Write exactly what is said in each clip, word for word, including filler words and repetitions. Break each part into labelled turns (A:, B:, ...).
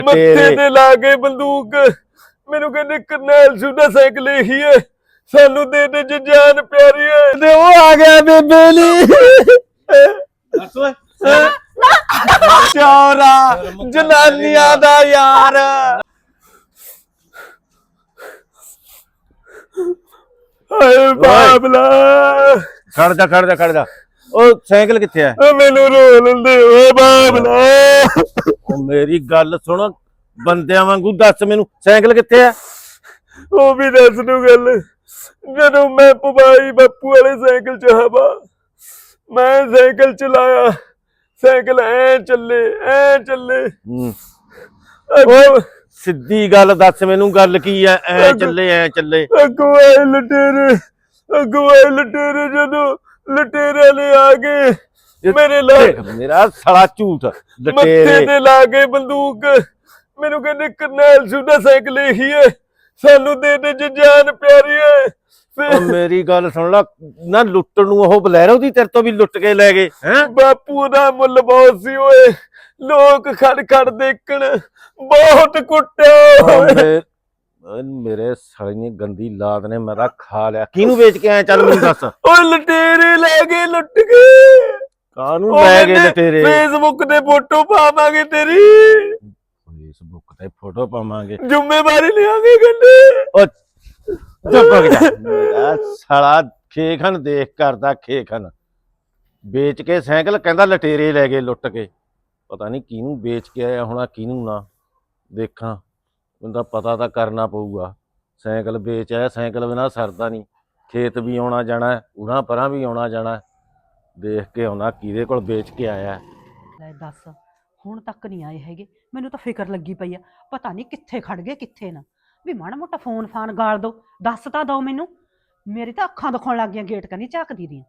A: ਮੱਥੇ ਤੇ ਲਾ ਕੇ ਬੰਦੂਕ ਮੈਨੂੰ ਕਹਿੰਦੇ ਕਰਨੈਲ ਸੁਦਾ ਸਾਈਕਲ ਇਹੀ ਹੈ ਸਾਨੂੰ ਦੇ ਦੇ ਜੇ ਜਾਨ ਪਿਆਰੀ ਹੈ ਤੇ ਉਹ ਆ ਗਿਆ ਬੇਬੇ ਲਈ
B: ਦੱਸ ਓਏ
A: ਚੌਰਾ ਜਨਾਨੀਆਂ ਦਾ ਯਾਰ ਹਾਏ ਬਾਬਲਾ
B: ਖੜ ਜਾ ਖੜ ਜਾ ਖੜ ਜਾ ਉਹ ਸਾਈਕਲ ਕਿੱਥੇ ਆ
A: ਮੈਨੂੰ ਰੋ ਲੈਂਦੇ ਓਏ ਬਾਬਲਾ
B: ਉਹ ਮੇਰੀ ਗੱਲ ਸੁਣ ਬੰਦਿਆਂ ਵਾਂਗੂ ਦੱਸ ਮੈਨੂੰ ਸਾਈਕਲ ਕਿੱਥੇ ਆ
A: ਉਹ ਵੀ ਦੱਸ ਦੂ ਗੱਲ ਜਦੋਂ ਮੈਂ ਪਵਾਈ ਬਾਪੂ ਵਾਲੇ ਸਾਈਕਲ ਚ ਹਵਾ ਮੈਂ ਸਾਈਕਲ ਚਲਾਇਆ ਸਾਈਕਲ ਐ ਚੱਲੇ ਐ ਚੱਲੇ
B: ਓਏ ਸਿੱਧੀ ਗੱਲ ਦੱਸ ਮੈਨੂੰ ਗੱਲ ਕੀ ਐ ਐ ਚੱਲੇ ਐ ਚੱਲੇ
A: ਅੱਗੋਂ ਆਏ ਲਟੇਰੇ ਅੱਗੋਂ ਆਏ ਲਟੇਰੇ ਜਦੋਂ ਲਟੇਰੇ ਨੇ ਆ ਗਏ ਮੇਰੇ ਲਾ
B: ਮੇਰਾ ਸਾਲਾ ਝੂਠ
A: ਮੱਥੇ ਤੇ ਲਾ ਕੇ ਬੰਦੂਕ ਮੈਨੂੰ ਕਹਿੰਦੇ ਕਰਨੈਲ ਸੁਦਾ ਸਾਈਕਲ ਇਹੀ ਹੈ ਸਾਨੂੰ ਦੇ ਦੇ ਜੇ ਜਾਨ ਪਿਆਰੀ ਹੈ
B: ਮੇਰੀ ਗੱਲ ਸੁਣ ਲਾ ਨਾ ਲੁੱਟਣ ਨੂੰ ਉਹ ਬਲੈਰੋ ਦੀ ਤੇਰੇ ਤੋਂ ਵੀ ਲੁੱਟ ਕੇ ਲੈ ਗਏ ਹੈ
A: ਬਾਪੂ ਦਾ ਮੁੱਲ ਬਹੁਤ ਸੀ ਓਏ ਲੋਕ ਖੜ ਖੜ ਦੇਖਣ ਬਹੁਤ ਕੁੱਟਿਆ
B: ਮੇਰੇ ਸਾਲੇ ਨੇ ਗੰਦੀ ਲਾਦ ਨੇ ਮੇਰਾ ਖਾ ਲਿਆ ਕਿਹਨੂੰ ਵੇਚ ਕੇ ਆਇਆ ਚੱਲ ਮੈਨੂੰ ਦੱਸ
A: ਓਏ ਲਟੇਰੇ ਲੈ ਗਏ ਲੁੱਟ ਕੇ
B: ਕਾਹਨੂੰ ਲੈ ਗਏ ਲਟੇਰੇ
A: ਫੇਸਬੁੱਕ ਤੇ ਫੋਟੋ ਪਾਵਾਂਗੇ ਤੇਰੀ
B: ਫੇਸਬੁੱਕ ਤੇ ਫੋਟੋ ਪਾਵਾਂਗੇ
A: ਜ਼ਿੰਮੇਵਾਰੀ ਲਿਆਂਗੇ ਗੱਲੇ
B: ਓ ਚੁੱਪ ਜਾ ਮੇਰਾ ਸਾਲਾ ਖੇਖਣ ਦੇਖ ਕਰਦਾ ਖੇਖਣ ਵੇਚ ਕੇ ਸਾਈਕਲ ਕਹਿੰਦਾ ਲਟੇਰੇ ਲੈ ਗਏ ਲੁੱਟ ਕੇ ਪਤਾ ਨਹੀਂ ਕਿਹਨੂੰ ਵੇਚ ਕੇ ਆਇਆ ਹੋਣਾ ਕਿਹਨੂੰ ਨਾ ਦੇਖਾਂ ਮੈਨੂੰ ਤਾਂ ਪਤਾ ਤਾਂ ਕਰਨਾ ਪਊਗਾ ਸਾਈਕਲ ਵੇਚ ਆਇਆ ਸਾਈਕਲ ਬਿਨਾਂ ਸਰਦਾ ਨਹੀਂ ਖੇਤ ਵੀ ਆਉਣਾ ਜਾਣਾ ਉਹਨਾਂ ਪਰਾਂ ਵੀ ਆਉਣਾ ਜਾਣਾ ਦੇਖ ਕੇ ਆਉਣਾ ਕਿਹਦੇ ਕੋਲ ਵੇਚ ਕੇ ਆਇਆ
C: ਲੈ ਦੱਸ ਹੁਣ ਤੱਕ ਨਹੀਂ ਆਏ ਹੈਗੇ ਮੈਨੂੰ ਤਾਂ ਫਿਕਰ ਲੱਗੀ ਪਈ ਆ ਪਤਾ ਨਹੀਂ ਕਿੱਥੇ ਖੜ ਗਏ ਕਿੱਥੇ ਨਾ ਵੀ ਮਾੜਾ ਮੋਟਾ ਫੋਨ ਫਾਨ ਗਾਲ ਦੋ ਦੱਸ ਤਾਂ ਦੋ ਮੈਨੂੰ ਮੇਰੀ ਤਾਂ ਅੱਖਾਂ ਦਿਖਾਉਣ ਲੱਗ ਗਈਆਂ ਗੇਟ ਕਨੀ ਝਾਕਦੀ ਦੀਆਂ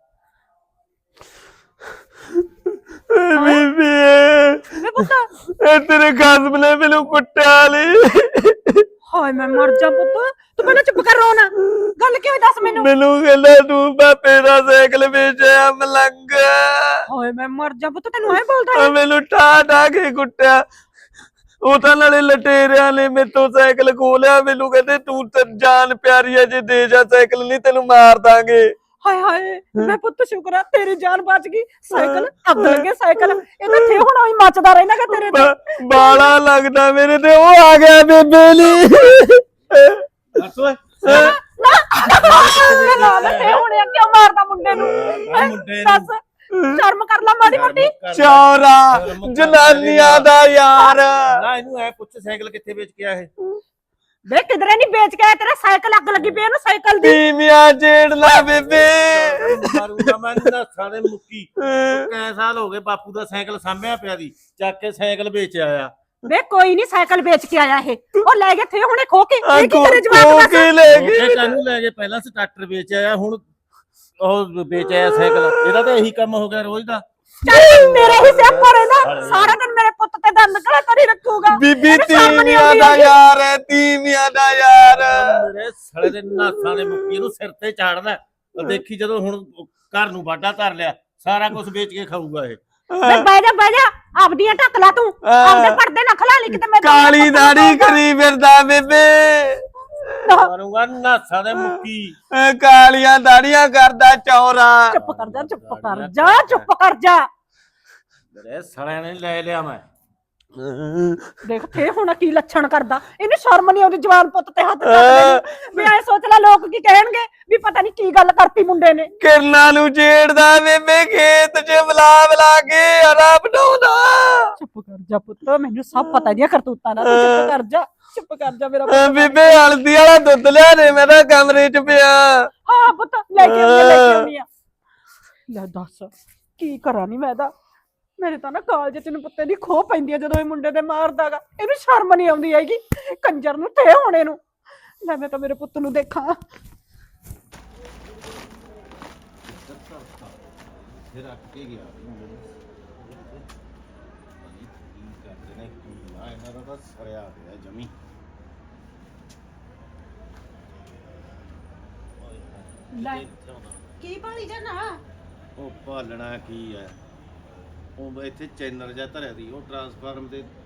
A: ਬੀਬੀ
C: ਵੇ ਪੁੱਤ
A: ਇਹ ਤੇਰੇ ਖਸਮ ਨੇ ਮੈਨੂੰ ਕੁੱਟਿਆ ਲਈ
C: ਹਾਏ ਮੈਂ ਮਰ ਜਾ ਪੁੱਤ ਤੂੰ ਪਹਿਲਾਂ ਚੁੱਪ ਕਰ ਰੋ ਨਾ ਗੱਲ ਕਿਉਂ ਦੱਸ ਮੈਨੂੰ
A: ਮੈਨੂੰ ਕਹਿੰਦਾ ਤੂੰ ਬਾਪੇ ਦਾ ਸਾਈਕਲ ਵੇਚਿਆ ਮਲੰਗ
C: ਹਾਏ ਮੈਂ ਮਰ ਜਾ ਪੁੱਤ ਤੈਨੂੰ ਐ ਬੋਲਦਾ
A: ਮੈਨੂੰ ਠਾ ਠਾ ਕੇ ਕੁੱਟਿਆ ਉਹ ਤਾਂ ਨਾਲੇ ਲਟੇਰਿਆਂ ਨੇ ਮੇਰੇ ਤੋਂ ਸਾਈਕਲ ਖੋਲਿਆ ਮੈਨੂੰ ਕਹਿੰਦੇ ਤੂੰ ਤੇ ਜਾਨ ਪਿਆਰੀ ਹੈ ਜੇ ਦੇ ਜਾ ਸਾਈਕਲ ਨਹੀਂ ਤੈਨੂੰ ਮਾਰ ਦਾਂਗੇ
C: ਹਾਏ ਹਾਏ ਮੈਂ ਪੁੱਤ ਸ਼ੁਕਰ ਆ ਤੇਰੀ ਜਾਨ ਬਚ ਗਈ ਸਾਈਕਲ ਅੱਗ ਲੱਗੇ ਸਾਈਕਲ ਇਹ ਤਾਂ ਥੇ ਹੁਣ ਹੀ ਮੱਚਦਾ ਰਹਿਣਾਗਾ ਤੇਰੇ ਤੇ
A: ਬਾਲਾ ਲੱਗਦਾ ਮੇਰੇ ਤੇ ਉਹ ਆ ਗਿਆ ਬੇਬੇ ਲਈ
B: ਦੱਸ ਓਏ
C: ਨਾ ਨਾ ਥੇ ਹੁਣ ਕਿਉਂ ਮਾਰਦਾ ਮੁੰਡੇ ਨੂੰ ਦੱਸ ਸ਼ਰਮ ਕਰ ਲੈ ਮਾੜੀ ਮੋਟੀ
A: ਚੌਰਾ ਜਨਾਨੀਆਂ ਦਾ ਯਾਰ
B: ਨਾ ਇਹਨੂੰ ਐ ਪੁੱਛ ਸਾਈਕਲ ਕਿੱਥੇ ਵੇਚ ਕੇ ਆਇਆ ਇਹ
C: ਵੇ ਕਿਧਰੇ ਨਹੀਂ ਵੇਚ ਕੇ ਆਇਆ ਤੇਰਾ ਸਾਈਕਲ ਅੱਗ ਲੱਗੀ ਪਈ ਇਹਨੂੰ ਸਾਈਕਲ ਦੀ
A: ਤੀਵੀਆਂ ਜੇੜ ਲਾ ਬੇਬੇ
B: ਮਾਰੂਗਾ ਮੈਂ ਨਸਾਂ ਦੇ ਮੁੱਕੀ ਕੈ ਸਾਲ ਹੋ ਗਏ ਬਾਪੂ ਦਾ ਸਾਈਕਲ ਸਾਂਭਿਆ ਪਿਆ ਦੀ ਚੱਕ ਕੇ ਸਾਈਕਲ ਵੇਚ ਆਇਆ
C: ਵੇ ਕੋਈ ਨਹੀਂ ਸਾਈਕਲ ਵੇਚ ਕੇ ਆਇਆ ਇਹ ਉਹ ਲੈ ਗਏ ਥੇ ਹੁਣੇ ਖੋ ਕੇ ਇਹ ਕੀ ਤੇਰੇ ਜਵਾਬ
A: ਖੋ
C: ਦੱਸ
A: ਕੇ ਲੈ ਗਏ
B: ਕਾਹਨੂੰ ਲੈ ਗਏ ਪਹਿਲਾਂ ਸਟਾਰਟਰ ਵੇਚ ਆਇਆ ਹੁਣ ਉਹ ਵੇਚ ਆਇਆ ਸਾਈਕਲ ਇਹਦਾ ਤਾਂ ਇਹੀ ਕੰਮ ਹੋ ਗਿਆ ਰੋਜ਼ ਦਾ
C: ਚੱਲ ਮੇਰੇ ਹੀ ਸਿਰ ਪਰ ਹੈ ਨਾ ਸਾਰਾ ਦਿਨ ਮੇਰੇ ਪੁੱਤ ਤੇ ਦੰਦ ਕੜਾ ਕਰੀ ਰੱਖੂਗਾ
A: ਬੀਬੀ ਤੀਵੀਆਂ ਦਾ ਯਾਰ ਹੈ ਤੀਵੀਆਂ ਦਾ ਯਾਰ
B: ਮੇਰੇ ਸੜੇ ਦੇ ਨਾਸਾਂ ਦੇ ਮੁੱਕੀ ਇਹਨੂੰ ਸਿਰ ਤੇ ਚਾੜਦਾ ਦੇਖੀ ਜਦੋਂ ਹੁਣ ਘਰ ਨੂੰ ਵਾਢਾ ਧਰ ਲਿਆ ਸਾਰਾ ਕੁਝ ਵੇਚ ਕੇ ਖਾਊਗਾ ਇਹ
C: ਵੇ ਬਹਿ ਜਾ ਬਹਿ ਜਾ ਆਪਦੀਆਂ ਢੱਕ ਲਾ ਤੂੰ ਆਪਦੇ ਪਰਦੇ ਨਾ ਖਲਾ ਲਈ ਕਿਤੇ ਮੈਂ
A: ਕਾਲੀ ਦਾੜੀ ਕਰੀ ਫਿਰਦਾ ਬੇਬੇ
B: ਮਾਰੂਗਾ ਨਾਸਾਂ ਦੇ ਮੁੱਕੀ
A: ਕਾਲੀਆਂ ਦਾੜੀਆਂ ਕਰਦਾ ਚੌਰਾ
C: ਚੁੱਪ ਕਰ ਜਾ ਚੁੱਪ ਕਰ ਜਾ ਚੁੱਪ ਕਰ ਜਾ
B: ਮੇਰੇ ਸੜਿਆਂ ਨੇ ਲੈ ਲਿਆ ਮੈਂ
C: ਦੇਖ ਥੇ ਹੁਣ ਕੀ ਲੱਛਣ ਕਰਦਾ ਇਹਨੂੰ ਸ਼ਰਮ ਨਹੀਂ ਆਉਂਦੀ ਜਵਾਨ ਪੁੱਤ ਤੇ ਹੱਥ ਚੱਕਦੇ ਵੀ ਐ ਸੋਚ ਲੈ ਲੋਕ ਕੀ ਕਹਿਣਗੇ ਵੀ ਪਤਾ ਨਹੀਂ ਕੀ ਗੱਲ ਕਰਤੀ ਮੁੰਡੇ ਨੇ
A: ਕਿਰਨਾਂ ਨੂੰ ਛੇੜਦਾ ਬੇਬੇ ਖੇਤ 'ਚ ਬਲਾ ਬਲਾ ਕੇ ਹਰਾ ਬਣਾਉਂਦਾ
C: ਚੁੱਪ ਕਰ ਜਾ ਪੁੱਤ ਮੈਨੂੰ ਸਭ ਪਤਾ ਇਹਦੀਆਂ ਕਰਤੂਤਾਂ ਦਾ ਚੁੱਪ ਕਰ ਜਾ ਚੁੱਪ ਕਰ ਜਾ ਮੇਰਾ ਪੁੱਤ
A: ਬੇਬੇ ਹਲਦੀ ਵਾਲਾ ਦੁੱਧ ਲਿਆ ਦੇ ਮੈਂ ਤਾਂ ਕਮਰੇ 'ਚ ਪਿਆ
C: ਹਾਂ ਪੁੱਤ ਲੈ ਕੇ ਆਉਂਦੀ ਲੈ ਕੇ ਆਉਂਦੀ ਆ ਲੈ ਦੱਸ ਕੀ ਕਰਾਂ ਨੀ ਮੈਂ ਤਾਂ ਮੇਰੇ ਤਾਂ ਨਾ ਕਾਲਜ ਤੈਨੂੰ ਪੁੱਤੇ ਦੀ ਖੋਹ ਪੈਂਦੀ ਆ ਜਦੋਂ ਇਹ ਮੁੰਡੇ ਤੇ ਮਾਰਦਾਗਾ ਇਹਨੂੰ ਸ਼ਰਮ ਨਹੀਂ ਆਉਂਦੀ ਹੈਗੀ ਕੰਜਰ ਨੂੰ ਤੇ ਹੋਣੇ ਨੂੰ ਲੈ ਮੈਂ ਤਾਂ ਮੇਰੇ ਪੁੱਤ ਨੂੰ ਦੇਖਾਂ
B: ਫਿਰ ਅੱਕ ਕੇ ਗਿਆ ਕਰਦੇ ਨੇ ਨਾ ਇਹਨਾਂ ਦਾ ਤਾਂ ਸਰਿਆ ਪਿਆ ਜਮੀ
C: ਲੈ ਕੀ ਭਾਲੀ ਜਾਣਾ
B: ਉਹ ਭਾਲਣਾ ਕੀ ਹੈ ਉਹ ਇੱਥੇ ਚੈਨਲ ਜਿਹਾ ਧਰਿਆ ਦੀ ਉਹ ਟਰਾਂਸਫਾਰਮ ਤੇ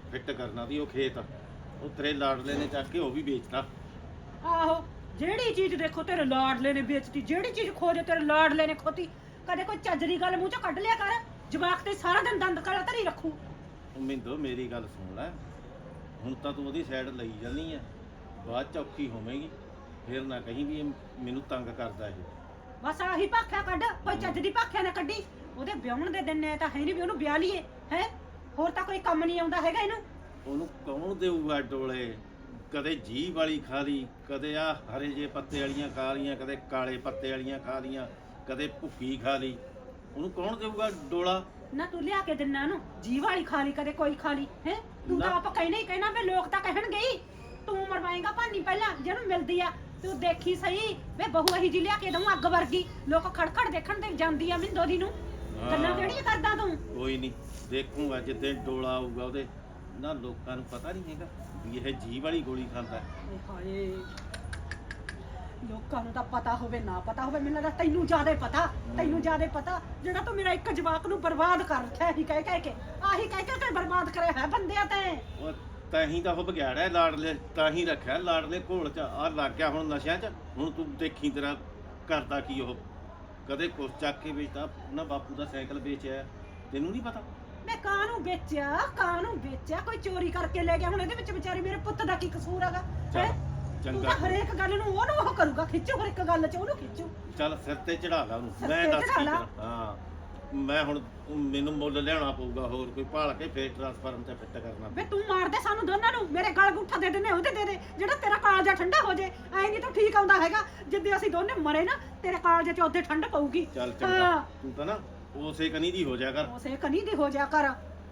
B: ਫਿੱਟ ਕਰਨਾ ਸੀ ਉਹ ਖੇਤ, ਉਹ ਤੇਰੇ ਲਾਡਲੇ ਨੇ ਚੱਕ ਕੇ ਉਹ ਵੀ ਵੇਚਤਾ।
C: ਆਹੋ, ਜਿਹੜੀ ਚੀਜ਼ ਦੇਖੋ ਤੇਰੇ ਲਾਡਲੇ ਨੇ ਵੇਚਤੀ, ਜਿਹੜੀ ਚੀਜ਼ ਖੋਜੇ ਤੇਰੇ ਲਾਡਲੇ ਨੇ ਖੋਤੀ। ਕਦੇ ਕੋਈ ਚੱਜ ਦੀ ਗੱਲ ਮੂੰਹ ਚੋਂ ਕੱਢ ਲਿਆ ਕਰ, ਜਵਾਕ ਤੇ ਸਾਰਾ ਦਿਨ ਦੰਦ ਕਾਲਾ ਧਰੀ ਰੱਖੂ।
B: ਉਹ ਮਿੰਦੋ ਮੇਰੀ ਗੱਲ ਸੁਣ ਲੈ, ਹੁਣ ਤਾਂ ਤੂੰ ਉਹਦੀ ਸਾਈਡ ਲਈ ਜਾਂਦੀ ਆ, ਬਾਅਦ ਚ ਔਖੀ ਹੋਵੇਂਗੀ, ਫਿਰ ਨਾ ਕਹੀਂ ਵੀ ਇਹ ਮੈਨੂੰ ਤੰਗ ਕਰਦਾ ਇਹ।
C: ਬਸ ਆਹੀ ਭਾਖਿਆ ਕੱਢ, ਕੋਈ ਚੱਜ ਦੀ ਭਾਖਿਆ ਨਾ ਕੱਢੀ। ਉਹਦੇ ਵਿਆਹਣ ਦੇ ਦਿਨ ਐ ਤਾਂ ਹੈ ਨਹੀਂ ਵੀ ਉਹਨੂੰ ਵਿਆਹ ਲਈਏ ਹੈ, ਹੋਰ ਤਾਂ ਕੋਈ ਕੰਮ ਨਹੀਂ ਆਉਂਦਾ ਹੈਗਾ ਇਹਨੂੰ।
B: ਉਹਨੂੰ ਕੌਣ ਦੇਊਗਾ ਡੋਲੇ? ਕਦੇ ਜੀਭ ਵਾਲੀ ਖਾ ਲਈ, ਕਦੇ ਆ ਹਰੇ ਜੇ ਪੱਤੇ ਵਾਲੀਆਂ ਖਾ ਲੀਆਂ, ਕਦੇ ਕਾਲੇ ਪੱਤੇ ਵਾਲੀਆਂ ਖਾ ਲੀਆਂ, ਕਦੇ ਭੁੱਕੀ ਖਾ ਲਈ, ਉਹਨੂੰ ਕੌਣ ਦੇਊਗਾ ਡੋਲਾ?
C: ਨਾ ਤੂੰ ਲਿਆ ਕੇ ਦਿੰਨਾ ਨੂੰ, ਜੀਵ ਵਾਲੀ ਖਾ ਲਈ, ਕਦੇ ਕੋਈ ਖਾ ਲਈ ਹੈ। ਤੂੰ ਤਾਂ
B: ਨਾ।
C: ਆਪ ਕਹਿਣਾ ਹੀ ਕਹਿਣਾ ਵੀ ਲੋਕ ਤਾਂ ਕਹਿਣਗੇ ਹੀ, ਤੂੰ ਮਰਵਾਏਂਗਾ ਭਾਨੀ ਪਹਿਲਾਂ ਜਿਹਨੂੰ ਮਿਲਦੀ ਆ। ਤੂੰ ਦੇਖੀ ਸਹੀ ਵੇ ਬਹੂ ਅਹੀ ਜੀ ਲਿਆ ਕੇ ਦਊਂ ਅੱਗ ਵਰਗੀ, ਲੋਕ ਖੜਖੜ ਦੇਖਣ ਤੇ ਜਾਂਦੀ ਆ ਮਿੰਦੋ ਦੀ ਨੂੰ। ਗੱਲਾਂ ਕਿਹੜੀਆਂ ਕਰਦਾ ਤੂੰ?
B: ਕੋਈ ਨਹੀਂ, ਦੇਖੂਗਾ ਜਿੱਦੇ ਡੋਲਾ ਆਊਗਾ ਉਹਦੇ ਨਾ। ਲੋਕਾਂ ਨੂੰ ਪਤਾ ਨਹੀਂ ਹੈਗਾ ਵੀ ਇਹ ਜੀਭ ਵਾਲੀ ਗੋਲੀ ਖਾਂਦਾ।
C: ਏ ਹਾਏ, ਲੋਕਾਂ ਨੂੰ ਤਾਂ ਪਤਾ ਹੋਵੇ ਨਾ ਪਤਾ ਹੋਵੇ, ਮੈਨੂੰ ਲੱਗਦਾ ਤੈਨੂੰ ਜ਼ਿਆਦਾ ਪਤਾ, ਤੈਨੂੰ ਜ਼ਿਆਦਾ ਪਤਾ। ਜਿਹੜਾ ਤੂੰ ਮੇਰਾ ਇੱਕ ਜਵਾਕ ਨੂੰ ਬਰਬਾਦ ਕਰ ਰੱਖਿਆ ਹੀ ਕਹਿ ਕਹਿ ਕੇ, ਆਹੀ ਕਹਿ ਕਹਿ ਕੇ ਬਰਬਾਦ ਕਰਿਆ ਹੈ ਬੰਦਿਆਂ ਤੇ।
B: ਉਹ ਤਾਂ ਹੀ ਤਾਂ ਉਹ ਬਗਿਆੜਿਆ ਲਾਡਲੇ, ਤਾਂ ਹੀ ਰੱਖਿਆ ਲਾਡਲੇ ਘੋਲ ਚ ਆ ਲੱਗ ਗਿਆ ਹੁਣ ਨਸ਼ਿਆਂ ਚ। ਹੁਣ ਤੂੰ ਦੇਖੀ ਤੇਰਾ ਕਰਦਾ ਕੀ ਉਹ, ਕਦੇ ਕੁਛ ਚੱਕ ਕੇ ਵੇਚਦਾ ਨਾ, ਬਾਪੂ ਦਾ ਸਾਈਕਲ ਵੇਚਿਆ, ਤੈਨੂੰ ਨਹੀਂ ਪਤਾ?
C: ਮੈਂ ਕਾਹਨੂੰ ਵੇਚਿਆ, ਕਾਹਨੂੰ ਵੇਚਿਆ? ਕੋਈ ਚੋਰੀ ਕਰਕੇ ਲੈ ਗਿਆ, ਹੁਣ ਇਹਦੇ ਵਿੱਚ ਵਿਚਾਰੀ ਮੇਰੇ ਪੁੱਤ ਦਾ ਕੀ ਕਸੂਰ ਹੈਗਾ?
B: ਚੱਲ,
C: ਤੂੰ
B: ਚੰਗਾ
C: ਤਾਂ ਹਰੇਕ ਗੱਲ ਨੂੰ ਉਹਨੂੰ ਉਹ ਕਰੂਗਾ, ਖਿੱਚੂ ਹਰ ਇੱਕ ਗੱਲ 'ਚ ਉਹਨੂੰ ਖਿੱਚੂ।
B: ਚੱਲ ਸਿਰ ਤੇ ਚੜਾ ਲਾ ਉਹਨੂੰ,
C: ਸਿਰ
B: ਮੈਂ
C: ਤੇ
B: ਦੱਸ
C: ਚੜ੍ਹਾ
B: ਕੀ
C: ਲਾ।
B: ਕਰਾਂ। ਹਾਂ ਮੈਂ ਹੁਣ ਮੈਨੂੰ ਮੁੱਲ ਲਿਆਉਣਾ ਪਊਗਾ, ਹੋਰ ਕੋਈ ਭਾਲ ਕੇ ਫੇਰ ਟ੍ਰਾਂਸਫਾਰਮ ਤੇ ਫਿੱਟ ਕਰਨਾ।
C: ਵੇ ਤੂੰ ਮਾਰ ਦੇ ਸਾਨੂੰ ਦੋਨਾਂ ਨੂੰ, ਮੇਰੇ ਗਲ ਗੁੱਠਾ ਦੇ ਦੇਨੇ ਉਹਦੇ ਦੇ ਦੇ, ਜਿਹੜਾ ਤੇਰਾ ਕਾਲਜਾ ਠੰਡਾ ਹੋ ਜੇ। ਐ ਨਹੀਂ ਤੂੰ ਠੀਕ ਆਉਂਦਾ ਹੈਗਾ, ਜਿੱਦੇ ਅਸੀਂ ਦੋਨੇ ਮਰੇ ਨਾ ਤੇਰੇ ਕਾਲਜੇ 'ਚ ਉੱਥੇ ਠੰਡ ਪਊਗੀ।
B: ਚੱਲ ਚੰਗਾ, ਤੂੰ ਤਾਂ ਨਾ ਉਸੇ ਕਨੀ ਦੀ ਹੋ ਜਾ ਕਰ।
C: ਉਸੇ ਕਨੀ ਦੀ ਹੋ ਜਾ ਕਰ।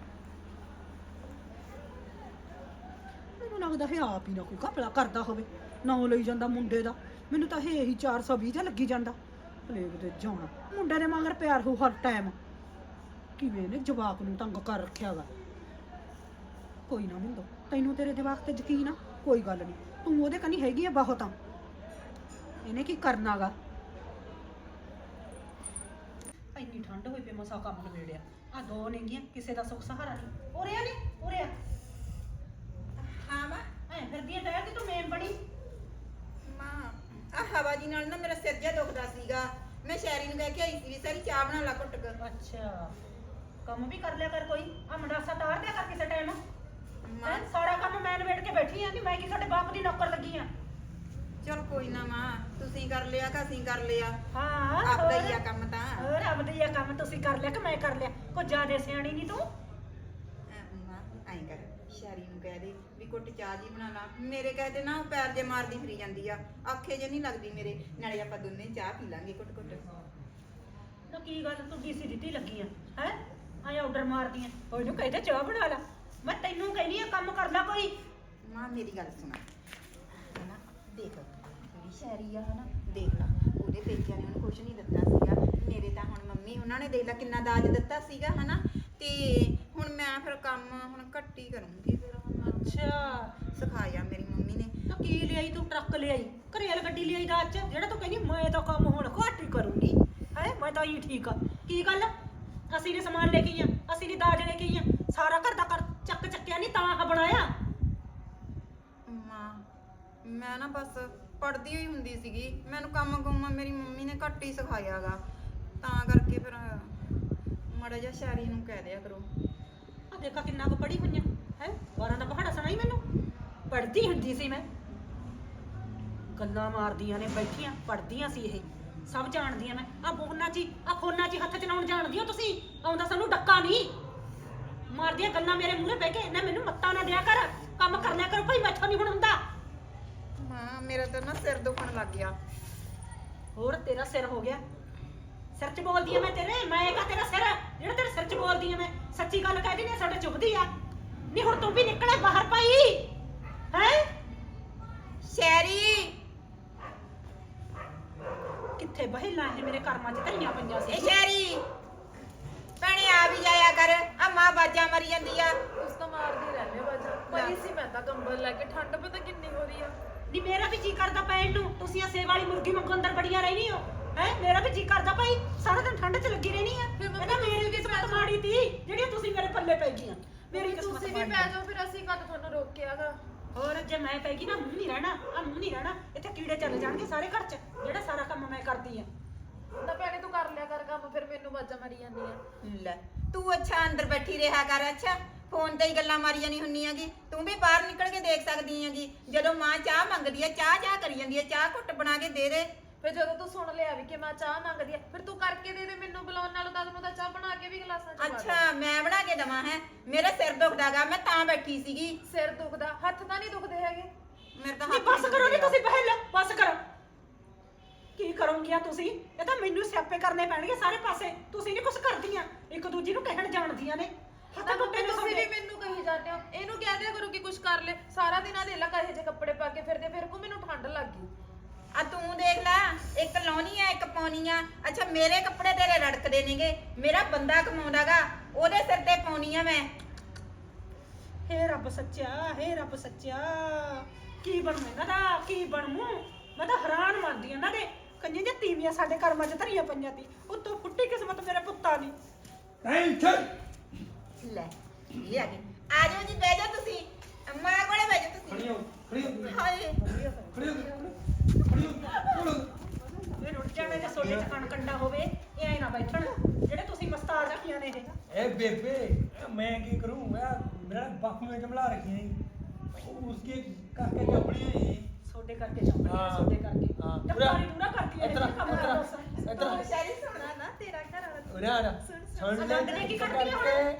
C: ਮੈਨੂੰ ਲੱਗਦਾ ਹੈ ਆਪ ਹੀ ਨਾ ਕੋਈ ਘਪਲਾ ਕਰਦਾ ਹੋਵੇ, ਨਾ ਲਈ ਜਾਂਦਾ ਮੁੰਡੇ ਦਾ। ਮੈਨੂੰ ਤਾਂ ਇਹ ਹੀ ਚਾਰ ਸੌ ਵੀਹ ਤੇ ਲੱਗੀ ਜਾਂਦਾ। ਪਲੇਗ ਤੇ ਜਾਣਾ ਮੁੰਡੇ ਦੇ ਮਗਰ ਪਿਆਰ ਹੋ ਹਰ ਟਾਈਮ, ਕਿਵੇਂ ਇਹਨੇ ਜਵਾਕ ਨੂੰ ਤੰਗ ਕਰ ਰੱਖਿਆ ਵਾ। ਕੋਈ ਨਾ ਮਿੰਦੋ, ਤੈਨੂੰ ਤੇਰੇ ਜਵਾਕ ਤੇ ਯਕੀਨ ਆ, ਕੋਈ ਗੱਲ ਨਹੀਂ, ਤੂੰ ਉਹਦੇ ਕਨੀ ਹੈਗੀ ਆ ਬਹੁਤ ਆ, ਇਹਨੇ ਕੀ ਕਰਨਾਗਾ। ਇੰਨੀ ਠੰਡ ਹੋਈ ਪਈ, ਮਸਾ ਕੰਮ ਨਵੇੜਿਆ। ਆ ਦੋ ਨੇਗੀਆਂ, ਕਿਸੇ ਦਾ ਸੁੱਖ ਸਹਾਰਾ ਨਹੀਂ। ਉਰੇ ਆ ਨੀ, ਉਰੇ ਆ।
D: ਹਾਂ ਮਾਂ।
C: ਐ ਫਿਰਦੀ ਆ ਟਾਇਰ ਤੇ ਤੂੰ ਮੇਨ ਬੜੀ।
D: ਮਾਂ ਆ ਹਵਾ ਜੀ ਨਾਲ ਨਾ ਮੇਰਾ ਸਿਰ ਜਿਹਾ ਦੁਖਦਾ ਸੀਗਾ, ਮੈਂ ਸ਼ੈਰੀ ਨੂੰ ਕਹਿ ਕੇ ਆਈ ਸੀ ਵੀ ਸਾਰੀ ਚਾਹ ਬਣਾ ਲਾ ਘੁੱਟ ਕੇ।
C: ਅੱਛਾ, ਕੰਮ ਵੀ ਕਰ ਲਿਆ ਕਰ ਕੋਈ, ਆ ਮੰਡਾਸਾ ਤਾਰ ਦਿਆ ਕਰ ਕਿਸੇ ਟਾਈਮ।
D: ਮਾਂ
C: ਮੈਂ ਸਾਰਾ ਕੰਮ ਮੈਂ ਨਵੇੜ ਕੇ ਬੈਠੀ ਆ, ਕਿ ਮੈਂ ਕੀ ਸਾਡੇ ਬਾਪ ਦੀ ਨੌਕਰ ਲੱਗੀ ਆ।
D: ਚਲ ਕੋਈ ਨਾ ਮਾਂ, ਤੁਸੀਂ ਕਰ ਲਿਆ ਕਿ ਅਸੀਂ ਕਰ ਲਿਆ,
C: ਹਾਂ
D: ਆਪਦਾ ਹੀ ਆ ਕੰਮ ਤਾਂ।
C: ਹੋਰ ਆਪਦਾ ਹੀ ਆ ਕੰਮ, ਤੁਸੀਂ ਕਰ ਲਿਆ ਕਿ ਮੈਂ ਕਰ ਲਿਆ? ਕੋਈ ਜ਼ਿਆਦਾ ਸਿਆਣੀ ਨਹੀਂ ਤੂੰ।
D: ਅਹ ਮਾਂ ਐਂ ਕਰ, ਸ਼ੈਰੀ ਨੂੰ ਕਹਿ ਦੇ ਵੀ ਘੁੱਟ ਚਾਹ ਜੀ ਬਣਾ ਲਾ। ਮੇਰੇ ਕਹਦੇ ਨਾ ਉਹ ਪੈਰ ਜੇ ਮਾਰਦੀ ਫਿਰੀ ਜਾਂਦੀ ਆ, ਆਖੇ ਜੇ ਨਹੀਂ ਲੱਗਦੀ ਮੇਰੇ, ਨਾਲੇ ਆਪਾਂ ਦੋਨੇ ਚਾਹ ਪੀ ਲਾਂਗੇ ਘੁੱਟ ਘੁੱਟ।
C: ਨਾ ਕੀ ਗੱਲ ਤੂੰ ਡੀਸੀ ਦਿੱਤੀ ਲੱਗੀ ਆ ਹੈ, ਆਇਆ ਆਰਡਰ ਮਾਰਦੀ ਆ। ਕੋਈ ਨੂੰ ਕਹਿੰਦੇ ਚਾਹ ਬਣਾ ਲਾ, ਮੈਂ ਤੈਨੂੰ ਕਹਿੰਦੀ ਆ ਕੰਮ ਕਰ ਲੈ ਕੋਈ।
D: ਮਾਂ ਮੇਰੀ ਗੱਲ ਸੁਣਾ, ਹਨਾ ਦੇਖ ਜਿਹੜੀ ਸ਼ੈਰੀ ਆ ਹਨਾ, ਦੇਖ ਲਾ ਉਹਦੇ ਪੇਕਿਆਂ ਨੇ ਉਹਨੂੰ ਕੁਛ ਨਹੀਂ ਦਿੱਤਾ ਸੀਗਾ, ਮੇਰੇ ਤਾਂ ਹੁਣ ਮੰਮੀ ਉਹਨਾਂ ਨੇ ਦੇਖ ਲਾ ਕਿੰਨਾ ਦਾਜ ਦਿੱਤਾ ਸੀਗਾ ਹਨਾ। ਤੇ ਹੁਣ ਮੈਂ ਫਿਰ ਕੰਮ ਹੁਣ ਘੱਟ ਹੀ ਕਰੂੰਗੀ ਫਿਰ।
C: ਅੱਛਾ,
D: ਸਿਖਾਇਆ ਮੇਰੀ ਮੰਮੀ ਨੇ।
C: ਤਾਂ ਕੀ ਲਿਆਈ ਤੂੰ? ਟਰੱਕ ਲਿਆਈ, ਘਰੇਲ ਗੱਡੀ ਲਿਆਈ ਦਾ ਅੱਜ, ਜਿਹੜਾ ਤੂੰ ਕਹਿੰਦੀ ਮੈਂ ਤਾਂ ਕੰਮ ਹੁਣ ਘੱਟ ਹੀ ਕਰੂੰਗੀ ਹੈ। ਮੈਂ ਤਾਂ ਹੀ ਠੀਕ ਆ। ਕੀ ਗੱਲ, ਅਸੀਂ ਨੇ ਸਮਾਨ ਲੈ ਕੇ ਆਈਆਂ, ਅਸੀਂ ਨੇ ਦਾਜ ਲੈ ਕੇ ਆਈਆਂ, ਸਾਰਾ ਘਰ ਦਾ ਕਰ ਚੱਕ ਚੱਕਿਆ ਨਹੀਂ ਤਾਂ ਆਹ ਬਣਾਇਆ।
D: ਮਾਂ ਮੈਂ ਨਾ ਬਸ ਪੜ੍ਹਦੀ ਹੋਈ ਹੁੰਦੀ ਸੀਗੀ, ਮੈਨੂੰ ਕੰਮ ਕੁੰਮ ਮੇਰੀ ਮੰਮੀ ਨੇ ਘੱਟ ਹੀ ਸਿਖਾਇਆਗਾ, ਤਾਂ ਕਰਕੇ ਫਿਰ ਮਾੜਾ ਜਿਹਾ ਸ਼ੈਰੀ ਨੂੰ ਕਹਿ ਦਿਆ ਕਰੋ।
C: ਆ ਦੇਖਾ ਕਿੰਨਾ ਕੁ ਪੜ੍ਹੀ ਹੋਈਆਂ ਹੈ, ਬਾਰਾਂ ਦਾ ਪਹਾੜਾ ਸੁਣਾਈ ਮੈਨੂੰ। ਪੜ੍ਹਦੀ ਹੁੰਦੀ ਸੀ ਮੈਂ, ਗੱਲਾਂ ਮਾਰਦੀਆਂ ਨੇ ਬੈਠੀਆਂ, ਪੜ੍ਹਦੀਆਂ ਸੀ ਇਹ, ਸਭ ਜਾਣਦੀਆਂ ਮੈਂ। ਆ ਬੋਹਨਾ ਜੀ ਆ ਖੋਨਾ ਜੀ ਹੱਥ ਚਲਾਉਣ ਜਾਣਦੀ ਹੋ ਤੁਸੀਂ, ਆਉਂਦਾ ਸਾਨੂੰ ਡੱਕਾ ਨਹੀਂ ਮਾਰਦੀਆਂ ਗੱਲਾਂ ਮੇਰੇ ਮੂਹਰੇ ਬਹਿ ਕੇ। ਨਾ ਮੈਨੂੰ ਮੱਤਾ ਨਾ ਦਿਆ ਕਰ, ਕੰਮ ਕਰ ਲਿਆ ਕਰੋ ਭਾਈ, ਮੈਥੋਂ ਨਹੀਂ ਹੁਣ ਹੁੰਦਾ।
D: ਮਾਂ ਮੇਰਾ ਤਾਂ ਨਾ ਸਿਰ ਦੁਖਣ ਲੱਗ ਗਿਆ।
C: ਹੋਰ ਤੇਰਾ ਸਿਰ ਹੋ ਗਿਆ, ਸਿਰ ਚ ਬੋਲਦੀ ਆ ਮੈਂ ਤੇਰੇ, ਮੈਂ ਕਾ ਤੇਰਾ ਸਿਰ ਜਿਹੜਾ ਤੇਰੇ ਸਿਰ ਚ ਬੋਲਦੀ ਆ ਮੈਂ। ਸੱਚੀ ਗੱਲ ਕਹਿ ਦਿੰਦੀ ਆ, ਸਾਡੇ ਚੁੱਭਦੀ ਆ। ਨਹੀਂ ਹੁਣ ਤੂੰ ਵੀ ਨਿਕਲੇ ਬਾਹਰ ਭਾਈ ਹੈ।
D: ਸ਼ੈਰੀ
C: ਕਿੱਥੇ ਬਹਿਲਾ ਹੈ, ਮੇਰੇ ਕਰਮਾਂ ਚ ਧਈਆਂ ਪਈਆਂ ਸੀ।
D: ਇਹ ਸ਼ੈਰੀ ਭੈਣੇ ਆ ਵੀ ਜਾਇਆ ਕਰ, ਆ ਮਾਂ ਬਾਜਾਂ ਮਰੀ ਜਾਂਦੀ ਆ।
E: ਉਸ ਤਾਂ ਮਾਰਦੀ ਰਹਿੰਦੇ ਬਾਜਾ ਪਈ ਸੀ ਮੈਂ ਤਾਂ ਕੰਬਲ ਲੈ ਕੇ, ਠੰਡ ਪਤਾ ਕਿੰਨੀ ਹੋ ਰਹੀ ਆ।
C: ਨੀ ਮੇਰਾ ਵੀ ਜੀ ਕਰਦਾ ਪੈਣ ਨੂੰ, ਤੁਸੀਂ ਆ ਸੇਵ ਵਾਲੀ ਮੁਰਗੀ ਵਾਂਗੂ ਅੰਦਰ ਬੜੀਆਂ ਰਹਿਣੀ ਹੋ ਹੈ। ਮੇਰਾ ਵੀ ਜੀ ਕਰਦਾ ਭਾਈ, ਸਾਰਾ ਦਿਨ ਠੰਡ ਚ ਲੱਗੀ ਰਹਿਣੀ ਆ।
E: ਫਿਰ ਮੰਮੀ
C: ਇਹ ਤਾਂ ਮੇਰੀ ਕਿਸਮਤ ਮਾੜੀ ਤੀ ਜਿਹੜੀਆਂ ਤੁਸੀਂ ਮੇਰੇ ਪੱਲੇ ਪੈ ਗਈਆਂ। ਮੇਰੀ
E: ਮੰਮੀ,
C: ਕਿਸਮਤ
E: ਤੁਸੀਂ ਵੀ
C: ਮਾੜੀ
E: ਪੈ
C: ਆ।
E: ਜਾਓ ਫਿਰ ਅਸੀਂ ਕਦ ਤੁਹਾਨੂੰ ਰੋਕਿਆਗਾ।
C: ਹੋਰ ਜੇ ਮੈਂ ਪੈ ਗਈ ਨਾ ਮੂੰਹ ਨਹੀਂ ਰਹਿਣਾ ਆ ਮੂੰਹ ਨਹੀਂ ਰਹਿਣਾ ਇੱਥੇ ਕੀੜੇ ਚੱਲ ਜਾਣਗੇ ਸਾਰੇ ਘਰ 'ਚ ਜਿਹੜਾ ਸਾਰਾ ਕੰਮ ਮੈਂ ਕਰਦੀ ਆ।
E: ਨਾ ਭੈਣੇ ਤੂੰ ਕਰ ਲਿਆ ਕਰ ਕੰਮ, ਫਿਰ ਮੈਨੂੰ ਵਾਜਾਂ ਮਾਰੀ ਜਾਂਦੀਆਂ।
D: ਲੈ ਤੂੰ ਅੱਛਾ ਅੰਦਰ ਬੈਠੀ ਰਿਹਾ ਕਰ। ਅੱਛਾ ਫੋਨ ਤੇ ਹੀ ਗੱਲਾਂ ਮਾਰੀਆਂ ਨਹੀਂ ਹੁੰਦੀਆਂ ਗੀ। ਤੂੰ ਵੀ ਬਾਹਰ ਨਿਕਲ ਕੇ ਦੇਖ ਸਕਦੀ ਹੈਗੀ। ਜਦੋਂ ਮਾਂ ਚਾਹ ਮੰਗਦੀ ਹੈ ਚਾਹ ਚਾਹ ਕਰੀ ਜਾਂਦੀ ਹੈ, ਚਾਹ ਘੁੱਟ ਬਣਾ ਕੇ ਦੇ ਦੇ।
E: ਫਿਰ ਜਦੋਂ ਤੂੰ ਸੁਣ ਲਿਆ ਵੀ ਕਿ ਮੈਂ ਚਾਹ ਮੰਗਦੀ ਆ, ਫਿਰ ਤੂੰ ਕਰਕੇ ਦੇ ਦੇ ਮੈਨੂੰ ਬੁਲਾਉਣ ਨਾਲੋਂ ਤਾਂ ਤੈਨੂੰ ਤਾਂ ਚਾਹ ਬਣਾ ਕੇ ਵੀ ਗਲਾਸਾਂ 'ਚ ਪਾ ਦੇ।
D: ਅੱਛਾ ਮੈਂ ਬਣਾ ਕੇ ਦਵਾਂ ਹੈ? ਮੇਰਾ ਸਿਰ ਦੁਖਦਾਗਾ, ਮੈਂ ਤਾਂ ਬੈਠੀ ਸੀਗੀ।
E: ਸਿਰ ਦੁਖਦਾ, ਹੱਥ ਤਾਂ ਨਹੀਂ ਦੁਖਦੇ ਹੈਗੇ।
D: ਮੇਰੇ ਤਾਂ
C: ਨਹੀਂ
D: ਹੱਥ
C: ਬਸ ਕਰੋ ਨੀ ਤੁਸੀਂ ਪਹਿਲਾਂ ਬਸ ਕਰੋ। ਕੀ ਕਰੋਗੀਆਂ ਤੁਸੀਂ? ਇਹ ਤਾਂ ਮੈਨੂੰ ਸਿਆਪੇ ਕਰਨੇ ਪੈਣਗੇ ਸਾਰੇ ਪਾਸੇ। ਤੁਸੀਂ ਨਹੀਂ ਕੁਝ ਕਰਦੀਆਂ, ਇੱਕ ਦੂਜੀ ਨੂੰ ਕਹਿਣ ਜਾਣਦੀਆਂ ਨੇ। ਹੱਥ
E: ਨਾ
C: ਟੁੱਟੇ
E: ਮੰਮੀ
C: ਨੇ
E: ਤੁਸੀਂ ਵੀ
C: ਤੁਹਾਡੇ।
E: ਮੈਨੂੰ ਕਹੀ ਜਾਂਦੇ ਹੋ, ਇਹਨੂੰ ਕਹਿ ਦਿਆ ਕਰੋ ਕਿ ਕੁਝ ਕਰ ਲੈ। ਸਾਰਾ ਦਿਨ ਆ ਦੇ ਲਾ ਕਹੇ ਜੇ ਕੱਪੜੇ ਪਾ ਕੇ ਫਿਰਦੇ, ਫਿਰ ਕੋ ਮੈਨੂੰ ਠੰਡ ਲੱਗ ਗਈ।
D: ਆ ਤੂੰ ਦੇਖ ਲੈ, ਇੱਕ ਲਾਉਣੀ ਆ ਇੱਕ ਪਾਉਣੀ ਆ। ਅੱਛਾ ਮੇਰੇ ਕੱਪੜੇ ਤੇਰੇ ਰੜਕਦੇ ਨੇਗੇ, ਮੇਰਾ ਬੰਦਾ ਕਮਾਉਂਦਾਗਾ, ਉਹਦੇ ਸਿਰ ਤੇ ਪਾਉਣੀ ਆ ਮੈਂ।
C: ਹੇ ਰੱਬ ਸੱਚਾ, ਹੇ ਰੱਬ ਸੱਚਾ, ਕੀ ਬਣੂ ਇਹਨਾਂ ਦਾ? ਕੀ ਬਣੂ? ਮੈਂ ਤਾਂ ਹੈਰਾਨ ਮੰਨਦੀ ਇਹਨਾਂ ਦੇ ਕੰਨੇ ਜੇ ਤੀਵੀਆਂ ਸਾਡੇ ਕਰਮਾਂ 'ਚ ਧਰੀਆਂ ਪਈਆਂ ਤੀ। ਉੱਤੋਂ ਫੁੱਟੀ ਕਿਸਮਤ ਮੇਰੇ ਪੁੱਤਾਂ ਦੀ।
A: ਟੈਨਸ਼ਨ
D: ਲੈ ਇਹ ਆ ਗਏ। ਆ ਜਾਓ ਜੀ, ਬਹਿ ਜਾਓ ਤੁਸੀਂ, ਮਾਂ ਕੋਲੇ ਬਹਿ ਜਾਓ ਤੁਸੀਂ।
A: ਖੜੀ ਹੋ ਖੜੀ ਹੋ
D: ਹਾਏ
A: ਖੜੀ ਹੋ ਖੜੀ ਹੋ
C: ਇਹ ਰੁੱਟ ਜਾਣੇ ਜੇ ਸੋਡੇ 'ਚ ਕਣ ਕੰਡਾ ਹੋਵੇ, ਇਹ ਐ ਨਾ ਬੈਠਣ ਜਿਹੜੇ ਤੁਸੀਂ ਮਸਤਾਰ ਰੱਖੀਆਂ ਨੇ ਇਹ।
A: ए बेबे मैं की करूं यार, मेरा बापू ने जमला रखी है उसके करके जबड़ी है
C: ਸੋਡੇ ਕਰਕੇ ਚੰਬੜੀ
A: ਹਾਂ।
C: ਸੋਡੇ ਕਰਕੇ
A: ਹਾਂ।
C: ਡੱਕਾਰੀ ਦੂਰਾ करती है
A: इतना
C: ਕੰਮ
A: इतना
C: ਕਰਦਾ
A: इतना
D: ਸ਼ਾਇਰੀ ਸੁਣਾ ਨਾ ਤੇਰਾ ਘਰ ਵਾਲਾ।
A: उरे आ सुन ले
C: लग ने की करती है हुण?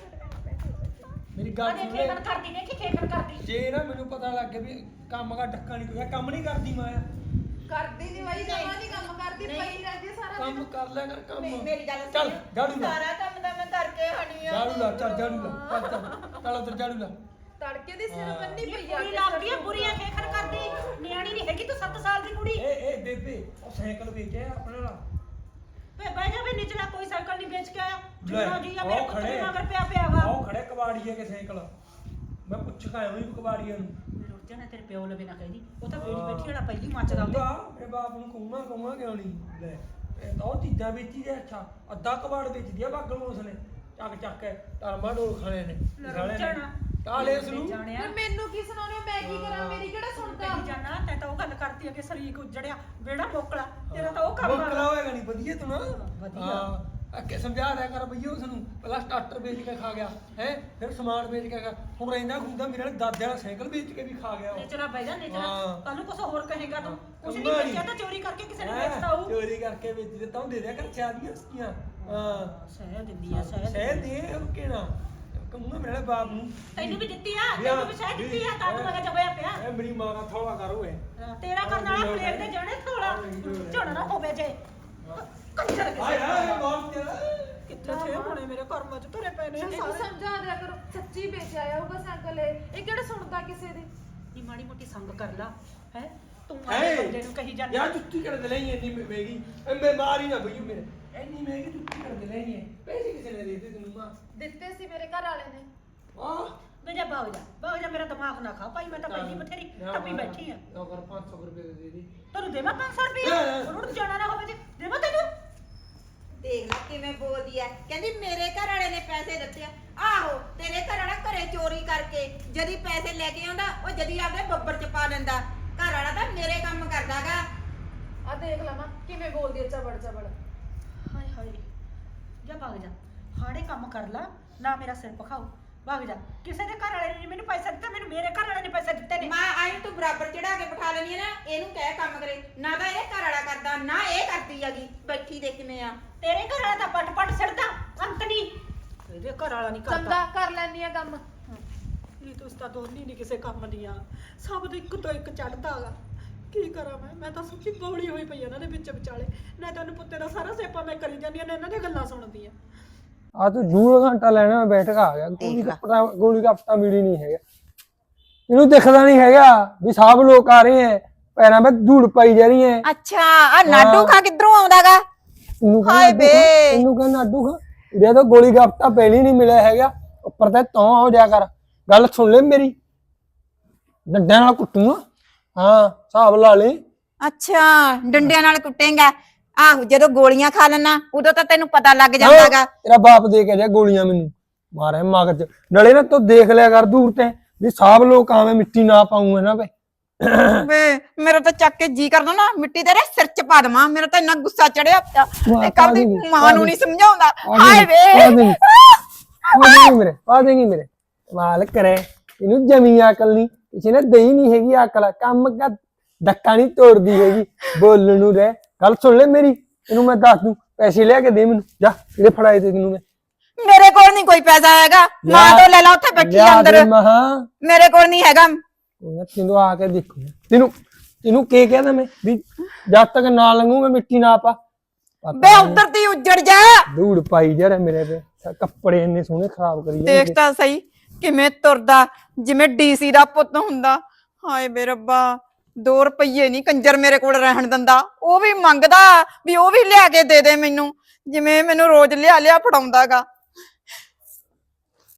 A: मेरी
C: ਆ
A: गल सुन
C: ਦੇਖੇ
A: ले
C: ਕਣ ਕਰਦੀ ਨੇ ਕਿ ਖੇਖਣ ਕਰਦੀ।
A: जे ना मेनू पता लग गया भी काम का ढक्का नहीं कोई काम नहीं करती मैं
E: ਕਰਦੀ ਨਹੀਂ ਬਾਈ, ਜਮਾ ਨਹੀਂ ਕੰਮ ਕਰਦੀ, ਪਈ ਰਹਿੰਦੀ ਸਾਰਾ
A: काम
E: ਦਿਨ।
A: कर ले कर काम
D: ਮੇ- ਮੇਰੀ ਗੱਲ
A: चल
D: ਸੁਣ।
A: झाड़ू ला
D: ਸਾਰਾ ਕੰਮ ਤਾਂ ਮੈਂ ਕਰਕੇ ਹਣੀ ਆ।
A: झाड़ू ला चल झाड़ू ला चल चल चल उधर झाड़ू ला
E: ਤੜਕੇ ਦੀ ਸਿਰ
A: ਹਾਂ।
E: ਬੰਨੀ
C: ਇਹ
E: ਪਈ ਆ
C: ਕੁੜੀ ਲੱਗਦੀ ਹੈ ਬੁਰੀਆਂ ਖੇਖਣ ਕਰਦੀ। ਨਿਆਣੀ ਨਹੀਂ ਹੈਗੀ ਤੂੰ ਸੱਤ ਸਾਲ ਦੀ ਕੁੜੀ।
A: ए ए बेबे ਉਹ ਸਾਈਕਲ ਵੇਚਿਆ ਆਪਣਾ ਲਾ
C: ਵੇ ਬਹਿ ਜਾ ਵੀ ਨਿਚਲਾ ਕੋਈ ਸਾਈਕਲ ਨਹੀਂ ਵੇਚ ਕੇ ਆਇਆ।
A: ਲੈ,
C: ਜਿੰਨਾ ਜੀ ਆ ਮੇਰੇ
A: ਆਓ
C: ਪੁੱਤ ਦੇ
A: ਖੜੇ।
C: ਮਗਰ ਪਿਆ ਪਿਆ ਵਾ।
A: ਆਓ ਖੜੇ ਕਬਾੜੀਏ ਕੇ ਸਾਈਕਲ ਮੈਂ ਪੁੱਛ ਕੇ ਆਇਆ ਵੀ ਕਬਾੜੀਏ ਨੂੰ
C: ਰੁੱਟ ਜਾਣਾ ਤੇਰੇ ਪਿਓ ਲਵੇ ਨਾ ਕਹਿੰਦੀ। ਉਹ ਤਾਂ ਬੇੜੀ ਬੈਠੀ ਵਾਲਾ ਪਹਿਲੀ ਮੱਚਦਾ ਉਹਦੇ।
A: ਉਹਦਾ ਮੇਰੇ ਬਾਪ ਨੂੰ ਕਹੂੰਗਾ ਕਹੂੰਗਾ ਕਿਉਂ ਨਹੀਂ ਲੈ ਇਹ ਤਾਂ ਉਹ ਚੀਜ਼ਾਂ ਵੇਚੀ ਦੇ। ਅੱਛਾ ਅੱਧਾ ਕਬਾੜ ਵੇਚਦੀ ਆ ਬਾਗਲ ਉਸਨੇ ਚੱਕ ਚੱਕ ਕੇ ਧਰਮਾ ਡੋਲ ਖਾਣੇ ਨੇ
C: ਲੈ
A: ਖਾਣੇ
C: ਰੁੱਟ ਜਾਣਾ।
A: ਨੇ ਕਾਲੇ ਉਸ ਨੂੰ
C: ਜਾਣਿਆ
E: ਫਿਰ ਮੈਨੂੰ ਕੀ ਸੁਣਾਉਣੇ ਹੋ? ਮੈਂ ਕੀ ਕਰਾਂ? ਮੇਰੀ ਕਿਹੜਾ ਸੁਣਦਾ?
C: ਕਹੀ ਜਾਣਾ ਤੈਂ ਤਾਂ ਉਹ ਗੱਲ ਕਰਤੀ ਆ ਕਿ ਸਰੀਕ ਉੱਜੜਿਆ ਬੇੜਾ ਮੋਕਲਾ। ਤੇਰਾ ਤਾਂ ਉਹ ਕੰਮ
A: ਬੋਕਲਾ
C: ਆ।
A: ਹੋਏਗਾ ਨਹੀਂ ਵਧੀਆ ਤੂੰ ਨਾ
C: ਵਧੀਆ।
A: ਹਾਂ ਅੱਗੇ ਸਮਝਾ ਦਿਆ ਕਰ ਬਈਓ ਉਸ ਨੂੰ ਪਹਿਲਾਂ ਸਟਾਰਟਰ ਵੇਚ ਕੇ ਖਾ ਗਿਆ ਹੈ ਫਿਰ ਸਮਾਨ ਵੇਚ ਕੇ ਖਾ ਹੁਣ ਰਹਿੰਦਾ ਖੁੰਦਾ ਮੇਰੇ ਨਾਲ ਦਾਦੇ ਵਾਲਾ ਸਾਈਕਲ ਵੇਚ ਕੇ ਵੀ ਖਾ ਗਿਆ ਉਹ
C: ਨਿਚਲਾ ਬਹਿ ਜਾ ਨਿਚਲਾ।
A: ਹਾਂ।
C: ਕੱਲ ਨੂੰ ਕੁਝ ਹੋਰ ਕਹੇਗਾ ਤੂੰ। ਕੁਝ ਨਹੀਂ
A: ਕੰਮਾਂ ਨੀ।
C: ਵੇਚਿਆ ਤਾਂ ਚੋਰੀ ਕਰਕੇ ਕਿਸੇ ਨੇ
A: ਹੈਂ?
C: ਵੇਚਦਾ ਹੋਊ।
A: ਚੋਰੀ ਕਰਕੇ ਵੇਚ ਦਿੱਤਾ ਹੁਣ ਦੇ ਦਿਆ ਕਰ ਚਾਦੀਆਂ ਉਸਕੀਆਂ ਹਾਂ
C: ਸਹਿ ਦਿੰਦੀ ਆ ਸਹਿ
A: ਸਹਿ
C: ਦਿੰਦੀ
A: ਦੇ ਉਹ ਕਿਹੜਾ ਕਹੂੰਗਾ ਮੇਰੇ ਨਾਲ ਬਾਪ ਨੂੰ
C: ਤੈਨੂੰ ਵੀ ਦਿੱਤੀ ਆ ਤੈਨੂੰ ਵੀ ਸਹਿ ਦਿੱਤੀ ਆ ਤਾਂ ਮਗਾ ਹੋਇਆ ਪਿਆ।
A: ਇਹ ਮੇਰੀ ਮਾਂ ਦਾ ਥੋੜਾ ਕਰ ਓਏ
C: ਤੇਰਾ ਕਰਨ ਵਾਲਾ ਪਲੇਟ ਦੇ ਜਾਣੇ ਥੋੜਾ ਝੋਣਾ ਨਾ ਹੋਵੇ ਜੇ ਕੰਜਰ
A: ਹਾਏ ਹਾਏ ਮਾਰ ਤੇਰਾ
C: ਕਿੱਥੇ ਥੇ ਹੋਣੇ ਮੇਰੇ ਕਰਮਾਂ ਚ ਧਰੇ ਪਏ ਨੇ
E: ਇਹਨੂੰ ਸਮਝਾ ਦਿਆ ਕਰੋ, ਸੱਚੀ ਵੇਚਿਆ ਆਊਗਾ ਸਾਈਕਲ ਇਹ। ਇਹ ਕਿਹੜਾ ਸੁਣਦਾ ਕਿਸੇ ਦੀ?
C: ਨੀ ਮਾੜੀ ਮੋਟੀ ਸੰਗ ਕਰ ਲਾ ਹੈ ਤੂੰ
A: ਹੈ
C: ਆਪਣੇ ਬੰਦੇ ਨੂੰ ਕਹੀ ਜਾਂਦੀ।
A: ਯਾਰ ਜੁੱਤੀ ਕਰ ਦੇ ਲਈ ਇੰਨੀ ਮਹਿੰਗੀ ਐ ਮੈਂ ਮਾਰੀ ਨਾ ਬਈਓ ਮੇਰੇ ਇੰਨੀ ਮਹਿੰਗੀ ਜੁੱਤੀ ਕਰ ਦੇ ਲਈ ਹੈ ਪੈਸੇ ਕਿਸੇ ਨੇ ਦੇ ਦਿੱਤੇ ਤੈਨੂੰ ਮਾਂ
E: ਦਿੱਤੇ ਸੀ ਮੇਰੇ ਘਰ ਵਾਲੇ ਨੇ।
A: ਵਾਹ
C: ਵੇ ਜਾ ਬਾਗ ਜਾ ਬਾਗ ਜਾ ਮੇਰਾ ਦਿਮਾਗ ਨਾ ਖਾ ਭਾਈ ਮੈਂ ਤਾਂ ਪਹਿਲੀ ਬਥੇਰੀ ਟੱਪੀ ਬੈਠੀ ਆ।
A: ਅਗਰ ਪੰਜ ਸੌ ਰੁਪਏ ਦੇ ਦੇ ਦੀ
C: ਤੈਨੂੰ ਦੇਵਾਂ ਪੰਜ ਸੌ ਰੁਪਏ ਰੁੱਟ ਜਾਣਾ ਨਾ ਹੋਵੇ ਜੇ ਦੇਵਾਂ ਤੈਨੂੰ।
D: ਦੇਖ ਲੈ ਕਿਵੇਂ ਬੋਲਦੀ ਐ। ਕਹਿੰਦੀ ਮੇਰੇ ਘਰ ਵਾਲੇ ਨੇ ਪੈਸੇ ਦਿੱਤੇ ਆ। ਆਹੋ ਤੇਰੇ ਘਰ ਵਾਲਾ ਘਰੇ ਚੋਰੀ ਕਰਕੇ ਜਦੀ ਪੈਸੇ ਲੈ ਕੇ ਆਉਂਦਾ, ਉਹ ਜਦੀ ਆਪਦੇ ਬੱਬਰ ਚ ਪਾ ਲੈਂਦਾ। ਘਰ ਵਾਲਾ ਤਾਂ ਮੇਰੇ ਕੰਮ ਕਰਦਾਗਾ।
E: ਆ ਦੇਖ ਲਵਾਂ ਕਿਵੇਂ ਬੋਲਦੀ ਹੈ ਚਬੜ ਚਬੜ।
C: ਹਾਏ ਹਾਏ ਜਾ ਭਾਗ ਜਾ ਹਾੜੇ ਕੰਮ ਕਰ ਲਾ ਨਾ ਮੇਰਾ ਸਿਰ ਪਖਾਓ। ਭਾਗ ਜਾ ਕਿਸੇ ਦੇ ਘਰ ਵਾਲੇ ਨੇ ਮੈਨੂੰ ਪੈਸਾ ਦਿੱਤਾ ਮੈਨੂੰ ਮੇਰੇ ਘਰ ਵਾਲੇ ਨੇ ਪੈਸੇ ਦਿੱਤੇ ਨੇ।
D: ਮਾਂ ਆਈ ਤੂੰ ਬਰਾਬਰ ਚੜਾ ਕੇ ਬਿਠਾ ਲੈਣੀ ਹੈ ਨਾ। ਇਹਨੂੰ ਕਹਿ ਕੰਮ ਕਰੇ ਨਾ ਤਾਂ ਇਹ ਘਰ ਵਾਲਾ ਕਰਦਾ ਨਾ ਇਹ ਕਰਦੀ ਹੈਗੀ। ਬੈਠੀ ਦੇ ਕਿਵੇਂ ਆ।
C: ਤੇਰੇ ਘਰ ਵਾਲਾ ਤਾਂ ਪਟ ਪਟ ਸਿਰਦਾ ਅੰਤ ਨਹੀਂ। ਇਹਦੇ ਘਰ ਵਾਲਾ ਨਹੀਂ ਕਰਦਾ।
E: ਚੰਗਾ ਕਰ ਲੈਣੀ ਆ ਕੰਮ।
C: ਇਹ ਤਾਂ ਉਸਤਾ ਦੋਨੀ ਨਹੀਂ ਕਿਸੇ ਕੰਮ ਦੀਆਂ ਸਭ ਤੋਂ ਇੱਕ ਤੋਂ ਇੱਕ ਚੜਦਾ ਹੈਗਾ। ਕੀ ਕਰਾਂ ਮੈਂ ਮੈਂ ਤਾਂ ਸੱਚੀ ਬੌਲੀ ਹੋਈ ਪਈ ਇਹਨਾਂ ਦੇ ਵਿੱਚ ਵਿਚਾਲੇ। ਨਾ ਤੈਨੂੰ ਪੁੱਤੇ ਦਾ ਸਾਰਾ ਸੇਪਾ ਮੈਂ ਕਰੀ ਜਾਂਦੀ ਆ ਨਾ ਇਹਨਾਂ ਦੀਆਂ ਗੱਲਾਂ ਸੁਣਦੀ ਆ।
F: आ तो दूर घंटा लेने में बैठ का आ गया गोली
D: देख
F: का
D: ला।
F: पता गोली का पता मिली नहीं है इन्हों दिखता नहीं हैगा भी सब लोग आ रहे हैं पैरों में धूड़ पाई जा रही है
D: ਅੱਛਾ ਆ ਨਾਡੂ ਖਾ ਕਿੱਧਰੋਂ ਆਉਂਦਾਗਾ?
F: इन्हों
D: हाय
F: कहना
D: बे।
F: इन्हों कहना अड्डू खा ये तो गोली का पता पहले नहीं मिला हैगा ऊपर ते तो हो जा कर गल सुन ले मेरी डंडे नाल कुੱਟੂਗਾ हाँ हिसाब ला ले
D: ਅੱਛਾ ਡੰਡਿਆਂ ਨਾਲ ਕੁੱਟੇਗਾ? ਆਹੋ ਜਦੋਂ ਗੋਲੀਆਂ ਖਾ ਲੈਣਾ ਉਦੋਂ ਤਾਂ ਤੈਨੂੰ ਪਤਾ ਲੱਗ ਜਾਂਦਾਗਾ।
F: तेरा बाप दे के जा गोलियां मैनू ਮਾਰੇ ਮਗਜ ਨਲੇ ਨਾ ਤੂੰ ਦੇਖ ਲਿਆ ਕਰ ਦੂਰ ਤੇ ਵੀ ਸਾਬ ਲੋਕ ਆਵੇਂ ਮਿੱਟੀ ਨਾ ਪਾਉਂ ਇਹਨਾਂ ਵੇ
D: ਵੇ ਮੇਰਾ ਤਾਂ ਚੱਕ ਕੇ ਜੀ ਕਰਦਾ ਨਾ ਮਿੱਟੀ ਤੇਰੇ ਸਿਰ 'ਚ ਪਾ ਦੇਵਾਂ। ਮੇਰਾ ਤਾਂ ਇੰਨਾ ਗੁੱਸਾ ਚੜਿਆ ਪਿਆ ਤੇ ਕਰਦੀ ਮਾਂ ਨੂੰ ਨਹੀਂ ਸਮਝਾਉਂਦਾ। ਹਾਏ ਵੇ
F: ਪਾ ਦੇਂਗੀ ਮੇਰੇ ਪਾ ਦੇਂਗੀ ਮੇਰੇ ਮਾਲ ਕਰੇ ਇਹਨੂੰ ਜਮੀ ਅਕਲ ਨਹੀਂ ਕਿਸੇ ਨੇ ਦੇਈ ਨਹੀਂ ਹੈਗੀ ਅਕਲ ਕੰਮ ਦਾ ਡੱਕਾ ਨਹੀਂ ਤੋੜਦੀ ਹੈਗੀ ਬੋਲਣ ਨੂੰ ਰਹਿ ਗੱਲ ਸੁਣ ਲੈ ਮੇਰੀ ਇਹਨੂੰ ਮੈਂ ਦੱਸ ਦੂੰ ਪੈਸੇ ਲਿਆ ਕੇ ਦੇ ਮੈਨੂੰ ਜਾ ਇਹਦੇ ਫੜਾਏ ਤੇ ਤੈਨੂੰ ਮੈਂ
D: ਮੇਰੇ ਕੋਲ ਨਹੀਂ ਕੋਈ ਪੈਸਾ ਹੈਗਾ। ਮਾਂ ਤੋਂ ਲੈ ਲਾ ਉੱਥੇ ਬੈਠੀ ਅੰਦਰ।
F: ਮਹਾ
D: ਮੇਰੇ ਕੋਲ ਨਹੀਂ ਹੈਗਾ।
F: ਤੈਨੂੰ ਆ ਕੇ ਦੇਖੂ ਤੈਨੂੰ ਤੈਨੂੰ ਕੀ ਕਹਿੰਦਾ ਮੈਂ ਵੀ ਜਦ ਤੱਕ ਨਾ ਲੰਘੂ ਮੈਂ ਮਿੱਟੀ ਨਾ ਪਾ
D: ਬੇ ਉਧਰ ਦੀ ਉੱਜੜ ਜਾ।
F: ਧੂੜ ਪਾਈ ਜਾ ਰਿਹਾ ਮੇਰੇ ਤੇ ਕੱਪੜੇ ਇੰਨੇ ਸੋਹਣੇ ਖਰਾਬ ਕਰੀ ਜਾਂਦੇ।
D: ਦੇਖ ਤਾਂ ਸਹੀ ਕਿਵੇਂ ਤੁਰਦਾ ਜਿਵੇਂ ਡੀਸੀ ਦਾ ਪੁੱਤ ਹੁੰਦਾ। ਹਾਏ ਬੇ ਰੱਬਾ ਦੋ ਰੁਪਈਏ ਨਹੀਂ ਕੰਜਰ ਮੇਰੇ ਕੋਲ ਰਹਿਣ ਦਿੰਦਾ। ਉਹ ਵੀ ਮੰਗਦਾ ਵੀ ਉਹ ਵੀ ਲਿਆ ਕੇ ਦੇ ਦੇ ਮੈਨੂੰ ਜਿਵੇਂ ਮੈਨੂੰ ਰੋਜ਼ ਲਿਆ ਲਿਆ ਫੜਾਉਂਦਾਗਾ।